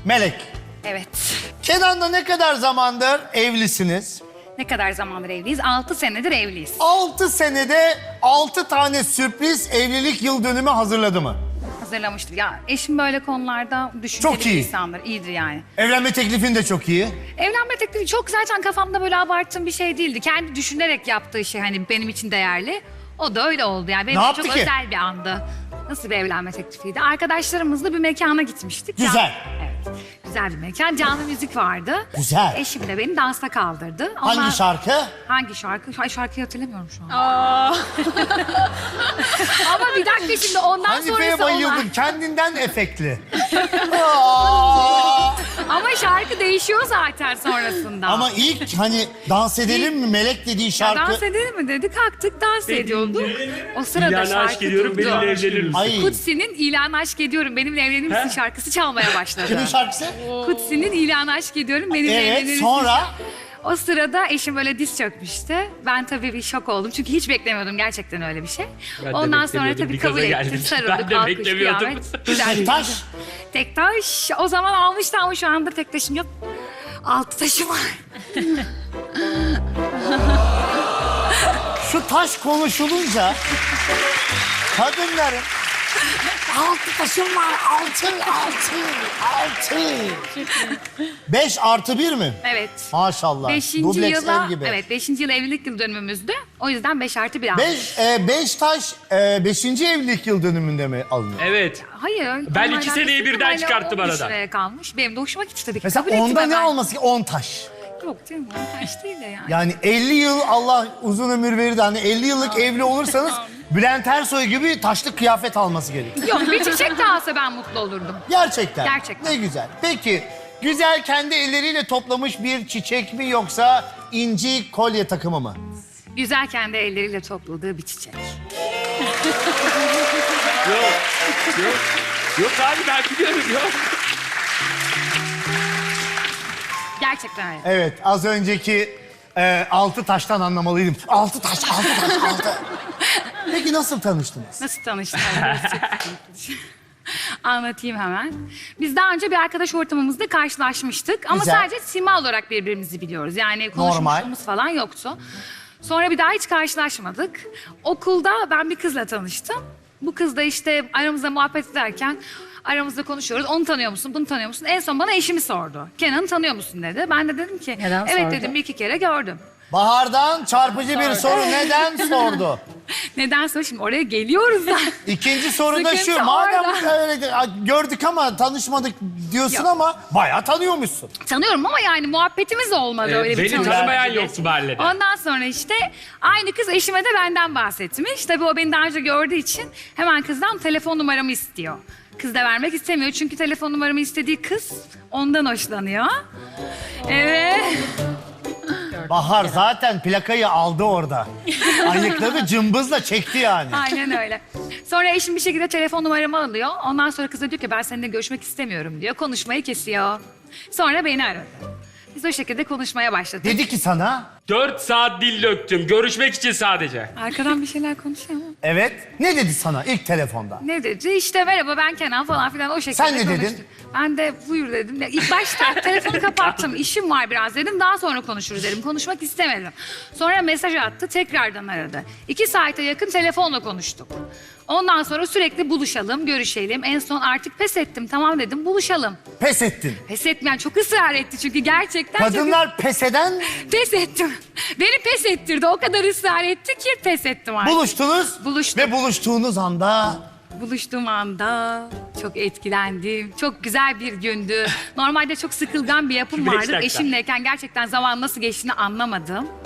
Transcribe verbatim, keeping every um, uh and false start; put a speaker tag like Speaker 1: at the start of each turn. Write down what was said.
Speaker 1: Melek.
Speaker 2: Evet.
Speaker 1: Kenan'la ne kadar zamandır evlisiniz?
Speaker 2: Ne kadar zamandır evliyiz? Altı senedir evliyiz.
Speaker 1: Altı senede altı tane sürpriz evlilik yıl dönümü hazırladı mı?
Speaker 2: Hazırlamıştır. Ya eşim böyle konularda düşünceli
Speaker 1: Çok
Speaker 2: bir
Speaker 1: iyi.
Speaker 2: insandır. İyidir yani.
Speaker 1: Evlenme teklifin de çok iyi.
Speaker 2: Evlenme teklifi çok zaten kafamda böyle abarttığım bir şey değildi. Kendi düşünerek yaptığı şey hani benim için değerli. O da öyle oldu yani. Benim
Speaker 1: Ne
Speaker 2: için
Speaker 1: yaptı
Speaker 2: çok
Speaker 1: ki?
Speaker 2: özel bir andı. Nasıl bir evlenme teklifiydi? Arkadaşlarımızla bir mekana gitmiştik.
Speaker 1: Güzel.
Speaker 2: Can- Evet. Güzel bir mekan. Canlı müzik vardı.
Speaker 1: Güzel.
Speaker 2: Eşim de beni dansa kaldırdı. Ondan-
Speaker 1: Hangi şarkı?
Speaker 2: Hangi şarkı? Ay şarkıyı hatırlamıyorum şu an. Ama bir dakika şimdi ondan
Speaker 1: Hanife'ye
Speaker 2: sonrası
Speaker 1: bayıldım.
Speaker 2: olan...
Speaker 1: Kendinden efektli. Aa!
Speaker 2: Ama şarkı değişiyor zaten sonrasında.
Speaker 1: Ama ilk hani dans edelim mi Melek dediği
Speaker 2: Ya
Speaker 1: şarkı.
Speaker 2: dans edelim mi dedi. Kalktık dans ediyorduk. O sırada
Speaker 3: İlanı
Speaker 2: şarkı
Speaker 3: aşk ediyorum,
Speaker 2: durdu.
Speaker 3: benimle evlenir misin?
Speaker 1: Ay.
Speaker 2: Kutsi'nin İlanı Aşk Ediyorum, Benimle Evlenir Misin şarkısı çalmaya başladı.
Speaker 1: Kimin şarkısı?
Speaker 2: Kutsi'nin İlanı Aşk Ediyorum, Benimle Evlenir
Speaker 1: Evet,
Speaker 2: Misin?
Speaker 1: sonra?
Speaker 2: O sırada eşim böyle diz çökmüştü. Ben tabii bir şok oldum çünkü hiç beklemiyordum gerçekten öyle bir şey.
Speaker 3: Ben de
Speaker 2: Ondan sonra
Speaker 3: beklemiyordum,
Speaker 2: tabii
Speaker 3: bir
Speaker 2: kabul
Speaker 3: gaza
Speaker 2: ettim,
Speaker 3: geldim.
Speaker 2: sarıldık,
Speaker 3: Ben de
Speaker 2: alkış,
Speaker 3: beklemiyordum.
Speaker 2: kıyamet. Güzel bir
Speaker 1: Taş.
Speaker 2: Tek taş. O zaman almıştı ama şu anda tek taşım yok. Altı taşım var.
Speaker 1: Şu taş konuşulunca kadınların altı taşım var, altı, altı, altı. Beş artı bir mi?
Speaker 2: Evet.
Speaker 1: Maşallah.
Speaker 2: Beşinci
Speaker 1: Dubleks
Speaker 2: yıla,
Speaker 1: ev gibi.
Speaker 2: evet beşinci yıl evlilik yıl dönümümüzdü. O yüzden beş artı bir aldım.
Speaker 1: Beş, e, beş taş e, beşinci evlilik yıl dönümünde mi alınıyor?
Speaker 3: Evet.
Speaker 2: Hayır.
Speaker 3: Ben
Speaker 2: onunla
Speaker 3: iki
Speaker 2: alakası
Speaker 3: seneyi
Speaker 2: yok.
Speaker 3: birden
Speaker 2: Hala
Speaker 3: çıkarttım
Speaker 2: on üç
Speaker 3: aradan.
Speaker 2: liraya kalmış. Benim de hoşuma gitti tabii ki.
Speaker 1: Mesela
Speaker 2: Kabul ettim
Speaker 1: onda ne
Speaker 2: hemen.
Speaker 1: olması ki? On taş.
Speaker 2: Yok canım on taş değil de yani.
Speaker 1: Yani elli yıl Allah uzun ömür verir de hani elli yıllık evli olursanız Bülent Ersoy gibi taşlı kıyafet alması gerekiyor.
Speaker 2: Yok bir çiçek de alsa ben mutlu olurdum.
Speaker 1: Gerçekten.
Speaker 2: Gerçekten.
Speaker 1: Ne güzel. Peki güzel kendi elleriyle toplamış bir çiçek mi yoksa inci kolye takımı mı?
Speaker 2: Güzel kendi elleriyle topladığı bir çiçek.
Speaker 3: Yok. Yok. Yok abi ben biliyorum yok.
Speaker 2: Gerçekten öyle.
Speaker 1: Evet az önceki e, altı taştan anlamalıydım. Altı taş, altı taş, altı. Peki nasıl tanıştınız?
Speaker 2: Nasıl tanıştık? Anlatayım hemen. Biz daha önce bir arkadaş ortamımızda karşılaşmıştık. Ama
Speaker 1: Güzel.
Speaker 2: sadece sima olarak birbirimizi biliyoruz. Yani konuşmuşluğumuz falan yoktu. Sonra bir daha hiç karşılaşmadık. Okulda ben bir kızla tanıştım. Bu kız da işte aramızda muhabbet ederken aramızda konuşuyoruz. Onu tanıyor musun, bunu tanıyor musun? En son bana eşimi sordu. Kenan'ı tanıyor musun dedi. Ben de dedim ki
Speaker 4: Neden
Speaker 2: evet
Speaker 4: sordu?
Speaker 2: dedim bir iki kere gördüm.
Speaker 1: Bahar'dan çarpıcı bir soru neden sordu?
Speaker 2: Neden sonra şimdi oraya geliyoruz da.
Speaker 1: İkinci soru da şu.
Speaker 2: Sıkıntı
Speaker 1: Madem
Speaker 2: orada.
Speaker 1: öyle gördük ama tanışmadık diyorsun
Speaker 2: Yok.
Speaker 1: ama bayağı tanıyormuşsun.
Speaker 2: Tanıyorum ama yani muhabbetimiz olmadı
Speaker 3: Ee,
Speaker 2: öyle bir
Speaker 3: beni
Speaker 2: tanışma.
Speaker 3: tanımayan yoktu mahallede.
Speaker 2: Ondan sonra işte aynı kız eşime de benden bahsetmiş. Tabii o beni daha önce gördüğü için hemen kızdan telefon numaramı istiyor. Kız da vermek istemiyor çünkü telefon numaramı istediği kız ondan hoşlanıyor. Evet.
Speaker 1: Bahar zaten plakayı aldı orada. Ayıkladı cımbızla çekti yani.
Speaker 2: Aynen öyle. Sonra eşim bir şekilde telefon numaramı alıyor. Ondan sonra kız da diyor ki ben seninle görüşmek istemiyorum diyor. Konuşmayı kesiyor. Sonra beni aradı. Biz o şekilde konuşmaya başladık.
Speaker 1: Dedi ki sana
Speaker 3: Dört saat dil döktüm. Görüşmek için sadece.
Speaker 2: Arkadan bir şeyler konuşuyor mu?
Speaker 1: evet. Ne dedi sana ilk telefonda?
Speaker 2: Ne dedi? İşte merhaba ben Kenan falan filan o şekilde
Speaker 1: Sen ne
Speaker 2: konuştuk.
Speaker 1: dedin?
Speaker 2: Ben de buyur dedim. Ya İlk başta telefonu kapattım. İşim var biraz dedim. Daha sonra konuşuruz dedim. Konuşmak istemedim. Sonra mesaj attı. Tekrardan aradı. İki saate yakın telefonla konuştuk. Ondan sonra sürekli buluşalım, görüşelim. En son artık pes ettim. Tamam dedim buluşalım.
Speaker 1: Pes ettin.
Speaker 2: Pes etmeyen çok ısrar etti çünkü gerçekten çok-
Speaker 1: Kadınlar pes eden
Speaker 2: pes ettim. Beni pes ettirdi. O kadar ısrar etti ki pes ettim artık.
Speaker 1: buluştunuz.
Speaker 2: Buluştuk.
Speaker 1: Ve buluştuğunuz anda
Speaker 2: Buluştuğum anda çok etkilendim. Çok güzel bir gündü. Normalde çok sıkılgan bir yapım
Speaker 3: Beş
Speaker 2: vardır.
Speaker 3: dakika.
Speaker 2: Eşimleyken gerçekten zaman nasıl geçtiğini anlamadım.